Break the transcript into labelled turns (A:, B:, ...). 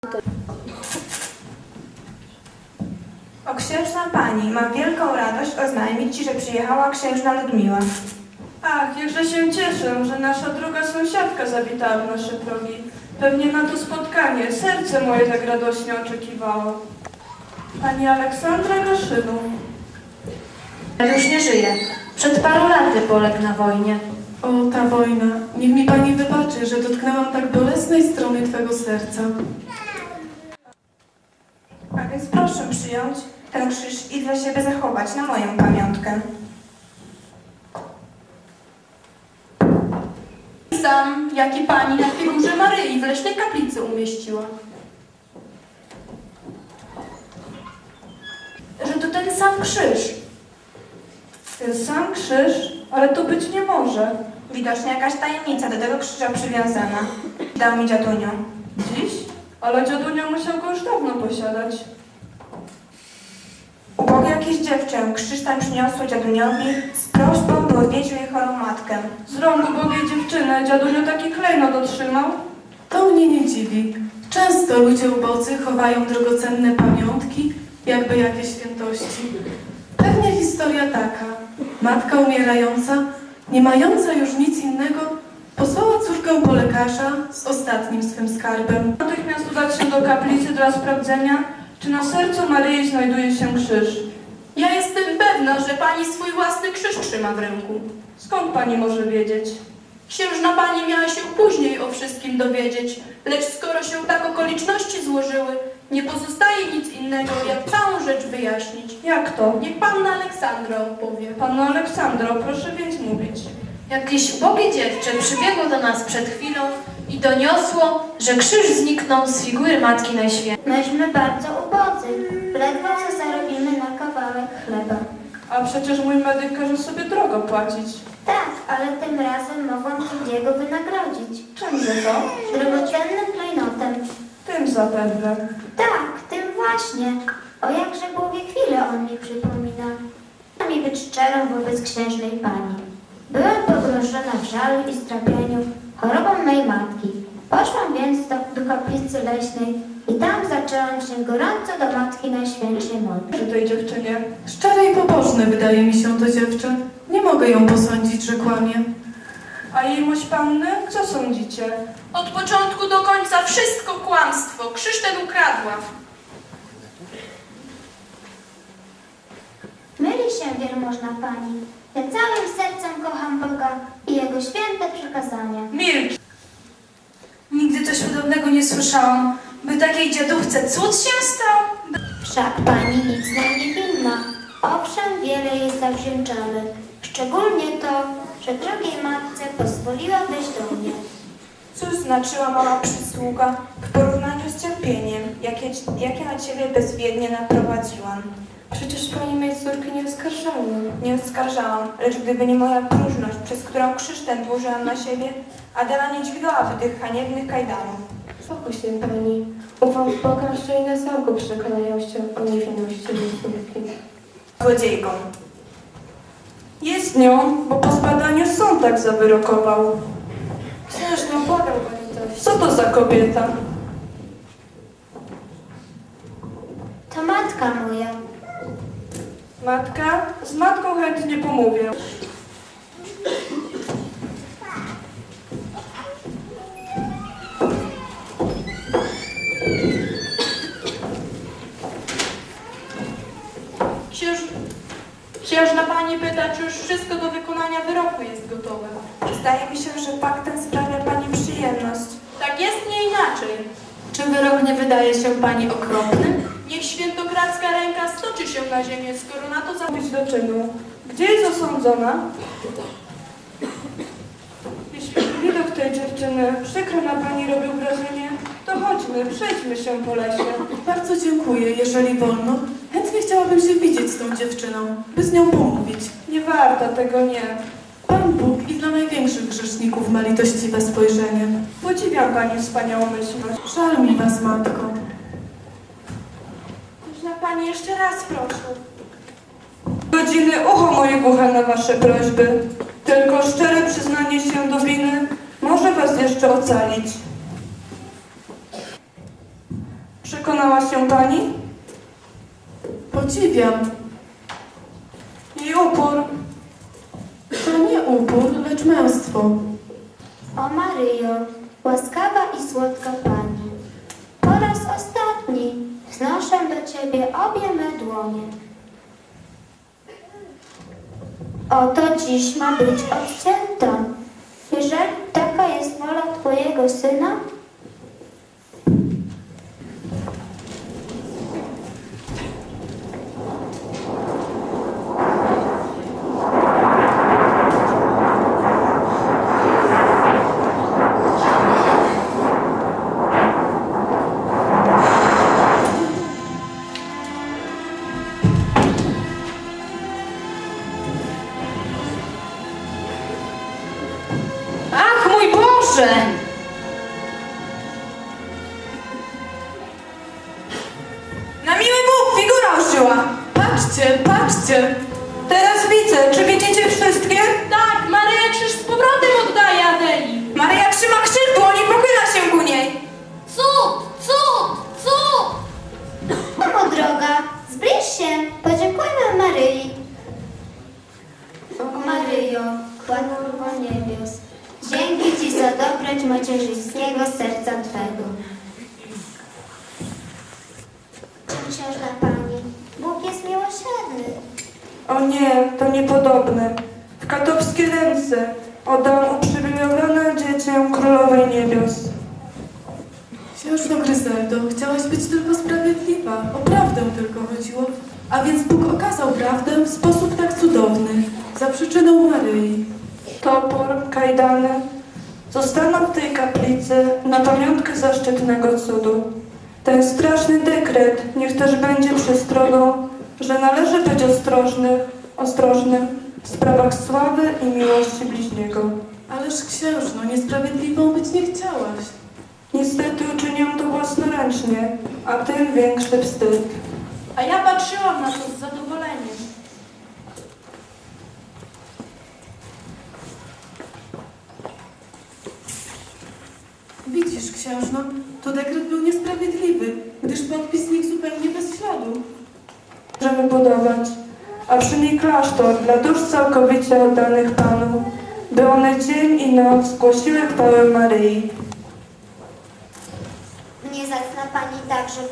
A: O księżna pani, mam wielką radość oznajmić ci, że przyjechała księżna Ludmiła.
B: Ach, jakże się cieszę, że nasza druga sąsiadka zawitała w nasze progi. Pewnie na to spotkanie serce moje tak radośnie oczekiwało. Pani Aleksandra Gaszynu.
C: Już nie żyje. Przed paru laty poległ na wojnie.
D: O, ta wojna. Niech mi pani wybaczy, że dotknęłam tak bolesnej strony twego serca.
A: A więc proszę przyjąć ten krzyż i dla siebie zachować na moją pamiątkę.
E: Sam, jaki pani na figurze Maryi w leśnej kaplicy umieściła. Że to ten sam krzyż.
B: Ten sam krzyż? Ale to być nie może.
A: Widocznie jakaś tajemnica do tego krzyża przywiązana. Dał mi dziadunio.
B: Dziś? Ale dziadunio musiał go już dawno posiadać.
A: Ubogie jakieś dziewczę krzyż ten przyniosło dziaduniowi z prośbą, by odwiedził jej chorą matkę.
B: Z rąk ubogiej dziewczyny dziadunio taki klejnot otrzymał.
D: To mnie nie dziwi. Często ludzie ubodzy chowają drogocenne pamiątki, jakby jakieś świętości. Pewnie historia taka. Matka umierająca, nie mająca już nic innego, posłała córkę po lekarza z ostatnim swym skarbem.
B: Natychmiast udać się do kaplicy dla sprawdzenia, czy na sercu Maryi znajduje się krzyż.
E: Ja jestem pewna, że pani swój własny krzyż trzyma w ręku.
B: Skąd pani może wiedzieć?
E: Księżna pani miała się później o wszystkim dowiedzieć, lecz skoro się tak okoliczności złożyły, nie pozostaje nic innego, jak całą rzecz wyjaśnić.
B: Jak to?
E: Niech panna Aleksandra opowie.
B: Panno Aleksandro, proszę więc mówić.
C: Jakieś ubogie dziewczę przybiegło do nas przed chwilą i doniosło, że krzyż zniknął z figury Matki Najświętszej.
F: Myśmy bardzo ubodzy. Ledwo co zarobimy na kawałek chleba.
B: A przecież mój medyk każe sobie drogo płacić.
F: Tak, ale tym razem mogłam ci jego wynagrodzić.
B: Czymże to?
F: Drogocennym klejnotem.
B: Tym zapewne.
F: Tak, tym właśnie. O jakże głowie chwilę on mi przypomina. Chcę mi być szczerą wobec księżnej pani. Byłam pogrążona w żalu i strapieniu chorobą mej matki. Poszłam więc do kaplicy leśnej i tam zaczęłam się gorąco do Matki Najświętszej modlić.
B: Przy tej dziewczynie.
D: Szczere i pobożne wydaje mi się to dziewczę. Nie mogę ją posądzić, że kłamie.
B: A jejmość panny? Co sądzicie?
E: Od początku do końca wszystko kłamstwo. Krzyż ten ukradła.
F: Myli się wielmożna pani. Ja całym sercem kocham Boga i Jego święte przykazania.
B: Milcz!
C: Nigdy coś podobnego nie słyszałam. By takiej dziadówce cud się stał?
F: Wszak pani nic nam nie winna. Owszem, wiele jej zawdzięczamy. Szczególnie to, że drogiej matce pozwoliła wejść do mnie.
A: Cóż znaczyła mała przysługa w porównaniu z cierpieniem, jakie na ciebie bezwiednie naprowadziłam.
B: Przecież pani mej córki nie oskarżała.
A: Nie oskarżałam, lecz gdyby nie moja próżność, przez którą krzyż ten włożyłam na siebie, Adela nie dźwigałaby tych haniebnych kajdanów.
G: Spokój się pani. Ufam w Boga, że i na zamku przekonają się o niewinności mojej córki.
A: Złodziejką.
B: Jest nią, bo po zbadaniu sąd tak zawyrokował.
G: Księżno, błagam pani dość.
B: Co to za kobieta?
F: To matka moja.
B: Matka? Z matką chętnie pomówię.
E: Księżna pani pyta, czy już wszystko do wykonania wyroku jest gotowe.
A: Zdaje mi się, że fakt ten sprawia pani przyjemność.
E: Tak jest, nie inaczej.
C: Czy wyrok nie wydaje się pani okropny?
E: Niech świętokradzka ręka stoczy się na ziemię, skoro na to
B: Być do czynu. Gdzie jest osądzona? Jeśli widok tej dziewczyny przykro na pani robił wrażenie, to chodźmy, przejdźmy się po lesie.
D: Bardzo dziękuję, jeżeli wolno. Chętnie chciałabym się widzieć z tą dziewczyną, by z nią pomówić.
B: Nie warto tego, nie.
D: Pan Bóg i dla największych grzeszników ma litościwe spojrzenie.
B: Podziwiam pani wspaniałomyślność.
D: Żal mi was, matko.
E: Księżna pani jeszcze raz proszę.
B: Godziny ucho moje głuche na wasze prośby. Tylko szczere przyznanie się do winy może was jeszcze ocalić. Przekonała się pani?
D: Podziwiam.
B: Jej upór.
D: To nie upór, lecz męstwo.
F: O Maryjo, łaskawa i słodka Pani, po raz ostatni wznoszę do Ciebie obie me dłonie. Oto dziś ma być odcięta. Jeżeli taka jest wola Twojego Syna,
C: Ach, mój Boże!
A: Na miły Bóg, figura ożyła!
D: Patrzcie, patrzcie!
A: Teraz widzę, czy widzicie wszystkie?
E: Tak, Maryja krzyż z powrotem oddaje Adeli.
A: Maryja trzyma krzyż w dłoni, pochyla się ku niej.
F: cud, cud, cud! Mamo droga, zbliż się, podziękujmy Maryi. O Maryjo, Królowo niebios, dzięki Ci za dobroć macierzyńskiego serca Twego. Księżna Pani, Bóg jest miłosierny.
B: O nie, to niepodobne. W katowskie ręce oddam uprzywilejowane dziecię Królowej Niebios.
D: Księżno Gryzeldo, chciałaś być tylko sprawiedliwa. O prawdę tylko chodziło. A więc Bóg okazał prawdę w sposób tak cudowny. Za przyczyną Maryi.
B: Topór, kajdany zostaną w tej kaplicy na pamiątkę zaszczytnego cudu. Ten straszny dekret niech też będzie przestrogą, że należy być ostrożnym w sprawach sławy i miłości bliźniego.
D: Ależ księżno, niesprawiedliwą być nie chciałaś.
B: Niestety uczynię to własnoręcznie, a tym większy wstyd.
E: A ja patrzyłam na to z zadowoleniem.
D: Widzisz, księżno, to dekret był niesprawiedliwy, gdyż podpis znikł zupełnie bez śladu.
B: Możemy budować, a przy niej klasztor dla dusz całkowicie oddanych Panu, by one dzień i noc głosiły chwałę Maryi.